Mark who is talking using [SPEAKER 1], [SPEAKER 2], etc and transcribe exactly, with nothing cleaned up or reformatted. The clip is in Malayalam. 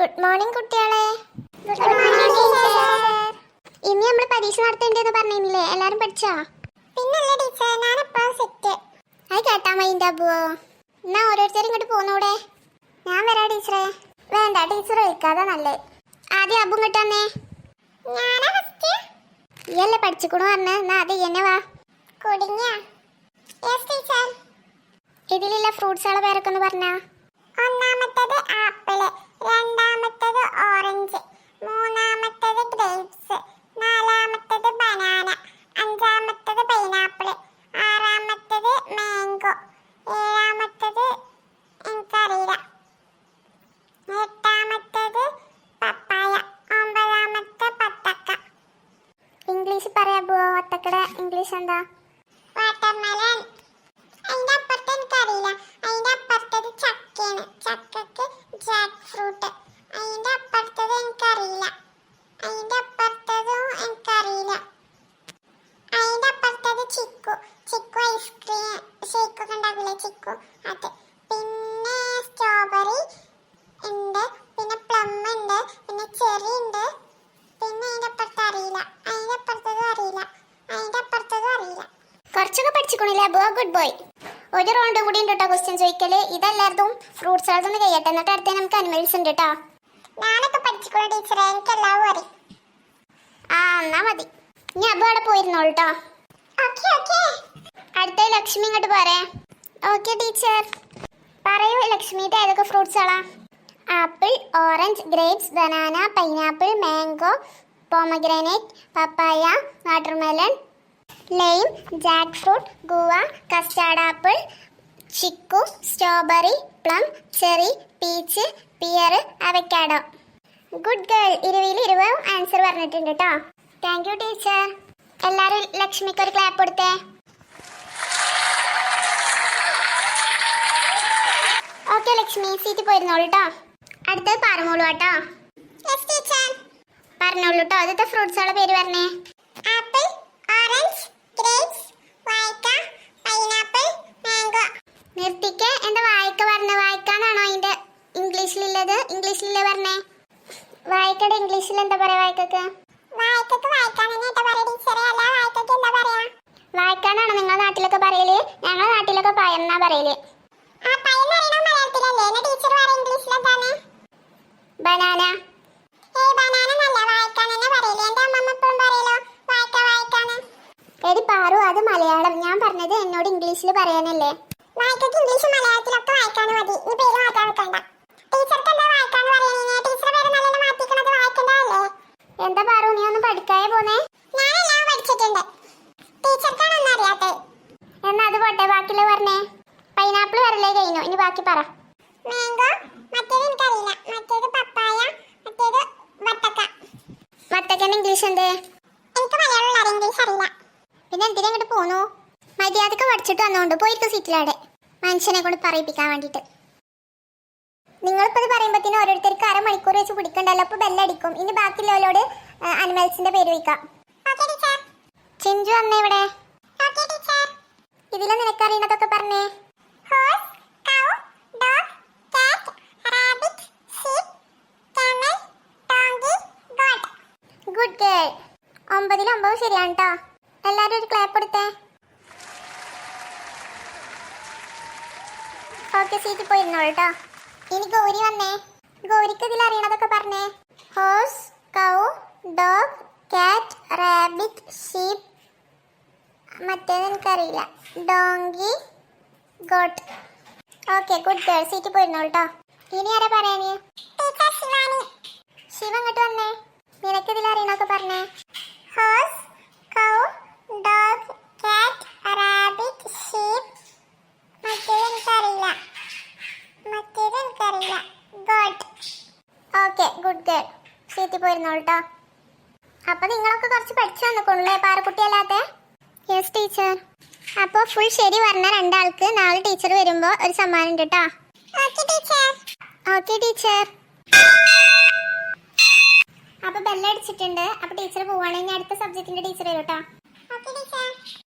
[SPEAKER 1] ഗുഡ് മോർണിംഗ് കുട്ടികളെ. Good morning teacher. ഇനി നമ്മൾ പരീക്ഷ നടത്തേണ്ടതെന്ന് പറഞ്ഞില്ലേ? എല്ലാരും പഠിച്ചോ?
[SPEAKER 2] പിന്നല്ലേ ടീച്ചർ, ഞാനിപ്പോ സെറ്റ്.
[SPEAKER 1] അത് കേട്ടാ മൈൻഡ് ആബുവോ? എന്നാ ഓരോരുത്തരും ഇങ്ങോട്ട് പോന്നൂടെ?
[SPEAKER 2] ഞാൻ വരാ ടീച്ചറെ.
[SPEAKER 1] വേണ്ട, ടീച്ചർ വിളിക്കാതെ നല്ലത്. ആദ്യം അബു ഇങ്ങോട്ട് വന്നേ.
[SPEAKER 2] ഞാനാ ഫസ്റ്റ്.
[SPEAKER 1] ഇയല്ലേ പഠിച്ചിക്കണു പറഞ്ഞ. എന്നാ അത് എന്നെ വാ.
[SPEAKER 2] കുടുങ്ങിയ. Yes teacher.
[SPEAKER 1] ഇതിലുള്ള ഫ്രൂട്ട്സുകളെ പേരൊക്കെ ഒന്ന് പറഞ്ഞാ.
[SPEAKER 2] ഒന്നാമത്തേത് ആപ്പിള്, രണ്ടാമത്തേത് ഓറഞ്ച്, മൂന്നാമത്തേത് ഗ്രേപ്സ്, നാലാമത്തേത് ബനാന, അഞ്ചാമത്തേത് പൈനാപ്പിള്, ആറാമത്തേത് മാംഗോ, ഏഴാമത്തേത് എനിക്കറിയില്ല, എട്ടാമത്തേത് പപ്പായ, ഒമ്പതാമത്തെ പത്തക്ക.
[SPEAKER 1] ഇംഗ്ലീഷ് പറയാ പോവോ? ഒത്തക്കടെ ഇംഗ്ലീഷ് എന്താ?
[SPEAKER 2] വാട്ടർമെലൺ. അതിന്റെ അപ്പുറത്ത് എനിക്കറിയില്ല. അതിന്റെ അപ്പുറത്തത് ചക്കയാണ്, ചക്കക്ക് ജാക്ക് ഫ്രൂട്ട്. അതിന്റെ അപ്പുറത്തത് എനിക്കറിയില്ല. അതിന്റെ അപ്പുറത്തതും എനിക്കറിയില്ല. അതിന്റെ അപ്പുറത്തത് ചിക്കു, ചിക്കു ഐസ്ക്രീം ഷേക്ക് ഒക്കെ ഉണ്ടാക്കില്ലേ, ചിക്കു അത്. പിന്നെ സ്ട്രോബെറി ഉണ്ട്, പിന്നെ പ്ലം ഉണ്ട്, പിന്നെ ചെറി ഉണ്ട്. പിന്നെ അതിന്റെ അപ്പുറത്ത് അറിയില്ല, അതിന്റെ അപ്പുറത്തതും അറിയില്ല, അതിന്റെ അപ്പുറത്തതും അറിയില്ല.
[SPEAKER 1] കുറച്ചൊക്കെ പഠിച്ചിക്കണില്ലേ അബുവ? Good boy. ഒരു റൗണ്ടും കൂടി ഉണ്ട് കേട്ടോ ക്വസ്റ്റ്യൻ ചോദിക്കല്. ഇതെല്ലാവർക്കും ഫ്രൂട്ട്സ് ഒന്ന് കഴിയട്ടെ, എന്നിട്ട് അടുത്ത നമുക്ക് അനിമൽസ് ഉണ്ട് കേട്ടോ.
[SPEAKER 2] ഞാനൊക്കെ പഠിച്ചിക്കോളൂ ടീച്ചറെ, എനിക്ക് എല്ലാവരും അറിയും.
[SPEAKER 1] ആ എന്നാ മതി. ഇനി അബു അവിടെ പോയിരുന്നോളൂ കേട്ടോ.
[SPEAKER 2] Okay okay.
[SPEAKER 1] അടുത്ത ലക്ഷ്മി ഇങ്ങോട്ട് പോരെ. Okay teacher. പറയൂ ലക്ഷ്മി, ഇത് ഏതൊക്കെ ഫ്രൂട്ട്സുകളാ? Apple, orange, grapes, banana, pineapple, mango, pomegranate, papaya, watermelon, lime, jack fruit, guava, custard apple, chikoo, strawberry, plum, cherry, peach, pear, avocado. Good girl. ഇരുപതിൽ ഇരുപത് ആൻസർ പറഞ്ഞിട്ടുണ്ട് കേട്ടോ. Thank you teacher. എല്ലാവരും ലക്ഷ്മിക്ക് ഒരു ക്ലാപ്പ് കൊടുത്തേ. ഓക്കെ ലക്ഷ്മി, സീറ്റ് പോയിരുന്നോളൂ കേട്ടോ. അടുത്തത് പറഞ്ഞോളൂ കേട്ടോ.
[SPEAKER 2] Yes teacher.
[SPEAKER 1] പറഞ്ഞോളൂ കേട്ടോ. ആദ്യത്തെ ഫ്രൂട്ട്സുകളുടെ പേര് പറഞ്ഞേ.
[SPEAKER 2] ആപ്പിൾ, ഓറഞ്ച്, ഗ്രേപ്സ്, വാഴക്ക, പൈനാപ്പിൾ, മാംഗോ.
[SPEAKER 1] നിർത്തിക്ക്. എന്താ വായിക്ക പറഞ്ഞ? വായിക്കാനാണോ അതിന്റെ ഇംഗ്ലീഷിലുള്ളത്? ഇംഗ്ലീഷിലല്ലേ പറഞ്ഞേ? വായിക്കയുടെ ഇംഗ്ലീഷിൽ എന്താ പറയാ? വായിക്കക്ക്
[SPEAKER 2] വാഴക്കക്ക് വാഴക്കാൻ തന്നെ പറയാ ടീച്ചറെ, അല്ല വാഴക്കക്ക് എന്താ പറയാ?
[SPEAKER 1] വായിക്കാനാണോ നിങ്ങളുടെ നാട്ടിലൊക്കെ പറയല്? ഞങ്ങളുടെ നാട്ടിലൊക്കെ പയന്നാ പറയല്.
[SPEAKER 2] ആ പയം പറയണ മലയാളത്തിലല്ലേ? എന്നെ ടീച്ചർ പറയാ ഇംഗ്ലീഷിൽ എന്താണ്?
[SPEAKER 1] ബനാന.
[SPEAKER 2] ഏയ് ബനാന എന്നല്ല, വാഴക്കാൻ തന്നെ പറയല്. എന്റെ അമ്മമ്മ എപ്പോഴും പറയലോ വാഴക്ക വാഴക്കാന്ന്.
[SPEAKER 1] എടി പാറു, അത് മലയാളം. ഞാൻ പറഞ്ഞത് എന്നോട് ഇംഗ്ലീഷിൽ പറയാനല്ലേ.
[SPEAKER 2] വാഴക്കക്ക് ഇംഗ്ലീഷ് മലയാളത്തിലൊക്കെ വായിക്കാന്ന് മതി. ഈ പേര് മാറ്റാൻ നിൽക്കണ്ട. ടീച്ചർക്ക് എന്താ വായിക്കാന്ന് പറയണേ? ടീച്ചറെ പേര് നല്ല മാറ്റിക്കണത് വായിക്കണ്ടല്ലേ?
[SPEAKER 1] എന്താ പാറു, നീ ഒന്ന് പഠിക്കാതെ പോന്നേ?
[SPEAKER 2] ഞാനെല്ലാം പഠിച്ചിട്ടുണ്ട്, ടീച്ചർക്കാണ് ഒന്നും അറിയാത്തത്.
[SPEAKER 1] എന്നാ അത് പോട്ടെ, ബാക്കിയുള്ള പറഞ്ഞേ. പൈനാപ്പിൾ വരലേ കഴിഞ്ഞു, ഇനി ബാക്കി പറ.
[SPEAKER 2] മാംഗോ, മറ്റേത് എനിക്കറിയില്ല, മറ്റേത് പപ്പായ, മറ്റേത് വത്തക്ക.
[SPEAKER 1] വത്തക്കന്റെ ഇംഗ്ലീഷ് എന്ത്?
[SPEAKER 2] എനിക്ക് മലയാളം അറിയാം, ഇംഗ്ലീഷ് അറിയില്ല.
[SPEAKER 1] പിന്നെ എന്തിനാ ഇങ്ങോട്ട് പോന്നു? മര്യാദക്ക് പഠിച്ചിട്ട് വന്നോണ്ട് പോയിട്ട് സീറ്റിലാടെ മനുഷ്യനെ കൊണ്ട് പറയിപ്പിക്കാൻ വേണ്ടിട്ട്. നിങ്ങളിപ്പത് പറയുമ്പോഴത്തേനും ഓരോരുത്തർക്ക് അരമണിക്കൂർ വെച്ച് പിടിക്കണ്ടല്ലോ. അപ്പൊ ബെല്ലടിക്കും. ഇനി ബാക്കിയുള്ളവരോട് അനിമൽസിന്റെ പേര് വയ്ക്കാം.
[SPEAKER 2] Okay teacher.
[SPEAKER 1] ചിഞ്ചു വന്നേ ഇവിടെ.
[SPEAKER 2] Okay teacher.
[SPEAKER 1] ഇതിലെ നിനക്കറിയണതൊക്കെ പറഞ്ഞേ.
[SPEAKER 2] Horse, cow, dog, cat, rabbit, sheep, camel, donkey, goat.
[SPEAKER 1] Good girl. ഒമ്പതിൽ ഒമ്പത് ശരിയാണ് കേട്ടോ. എല്ലാരും ഒരു ക്ലാപ്പ് കൊടുത്തേ. ഓക്കെ, സീറ്റിൽ പോയിരുന്നോളൂ കേട്ടോ. ഇനി ഗൗരി വന്നേ. ഗൗരിക്ക് ഇതിൽ അറിയണതൊക്കെ പറഞ്ഞേ. Horse, cow, dog, cat, rabbit, sheep, മറ്റേത് എനിക്കറിയില്ല, donkey, goat. Okay, good girl. സീറ്റിൽ പോയിരുന്നോളൂ കേട്ടോ. ഇനി ആരാ പറയാന്?
[SPEAKER 2] ടീച്ചർ ശിവാനി.
[SPEAKER 1] ശിവ ഇങ്ങോട്ട് വന്നേ. നിനക്ക് ഇതിൽ അറിയണൊക്കെ പറഞ്ഞേ.
[SPEAKER 2] Horse, cow, dog, cat, rabbit, sheep, മറ്റേത് എനിക്കറിയില്ല, മറ്റേത് എനിക്കറിയില്ല, ഗോട്ട്.
[SPEAKER 1] Okay, good girl. സീറ്റിൽ പോയിരുന്നോളൂ കേട്ടോ. അപ്പൊ നിങ്ങളൊക്കെ കുറച്ച് പഠിച്ചു വന്നിക്കൊള്ളേ പാറക്കുട്ടിയല്ലാത്ത? Yes teacher. അപ്പോൾ ഫുൾ ശരി പറഞ്ഞ രണ്ടാൾക്ക് നാളെ ടീച്ചർ വരുമ്പോൾ ഒരു സമ്മാനം ഉണ്ട് കേട്ടോ.
[SPEAKER 2] Okay teacher.
[SPEAKER 1] Okay teacher. അപ്പൊ ബെല്ലടിച്ചിട്ടുണ്ട്. അപ്പൊ ടീച്ചർ പോവാണെങ്കിൽ അടുത്ത സബ്ജക്റ്റിന്റെ ടീച്ചർ വരും കേട്ടോ.
[SPEAKER 2] Okay teacher.